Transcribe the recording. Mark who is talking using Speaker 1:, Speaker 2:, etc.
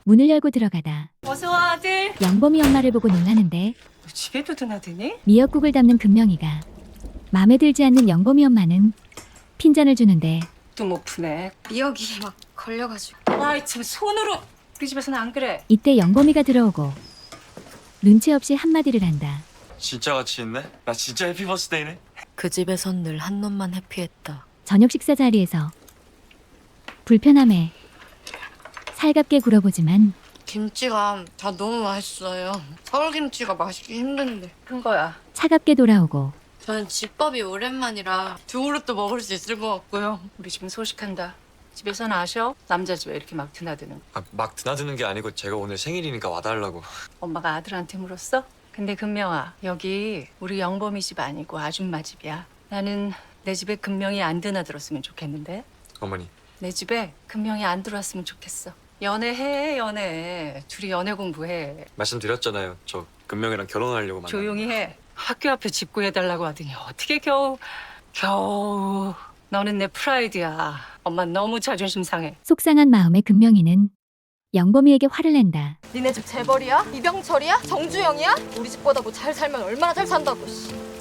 Speaker 1: 문을 열고 들어가다
Speaker 2: 어서 와, 아들.
Speaker 1: 영범이 엄마를 보고 놀라는데
Speaker 2: 너 집에도 드나드니?
Speaker 1: 미역국을 담는 금명이가 마음에 들지 않는 영범이 엄마는 핀잔을 주는데
Speaker 2: 또 못 푸네.
Speaker 3: 미역이 막 걸려가지고.
Speaker 2: 아이, 참, 손으로. 우리 집에서는 안 그래.
Speaker 1: 이때 영범이가 들어오고 눈치 없이 한마디를 한다.
Speaker 4: 진짜 같이 있네? 나 진짜 해피 버스데이네?
Speaker 5: 그 집에선 늘 한 놈만 해피했다.
Speaker 1: 저녁 식사 자리에서 불편함에 살갑게 굴어보지만
Speaker 3: 김치가 다 너무 맛있어요. 서울 김치가 맛있기 힘든데.
Speaker 2: 큰 거야.
Speaker 1: 차갑게 돌아오고
Speaker 3: 저는 집밥이 오랜만이라 두 그릇도 먹을 수 있을 것 같고요.
Speaker 2: 우리 집은 소식한다. 집에서는 아셔? 남자 집에 이렇게 막 드나드는 거.
Speaker 4: 아, 막 드나드는 게 아니고 제가 오늘 생일이니까 와달라고.
Speaker 2: 엄마가 아들한테 물었어? 근데 금명아, 여기 우리 영범이 집 아니고 아줌마 집이야. 나는 내 집에 금명이 안 드나들었으면 좋겠는데.
Speaker 4: 어머니,
Speaker 2: 내 집에 금명이 안 들어왔으면 좋겠어. 연애해, 연애. 둘이 연애 공부해.
Speaker 4: 말씀드렸잖아요. 저 금명이랑 결혼하려고 만나.
Speaker 2: 조용히 해. 학교 앞에 집 구해달라고 하더니 어떻게 겨우. 너는 내 프라이드야. 엄마 너무 자존심 상해.
Speaker 1: 속상한 마음에 금명이는 영범이에게 화를 낸다.
Speaker 3: 니네 집 재벌이야? 이병철이야? 정주영이야? 우리 집보다 뭐 잘 살면 얼마나 잘 산다고. 씨.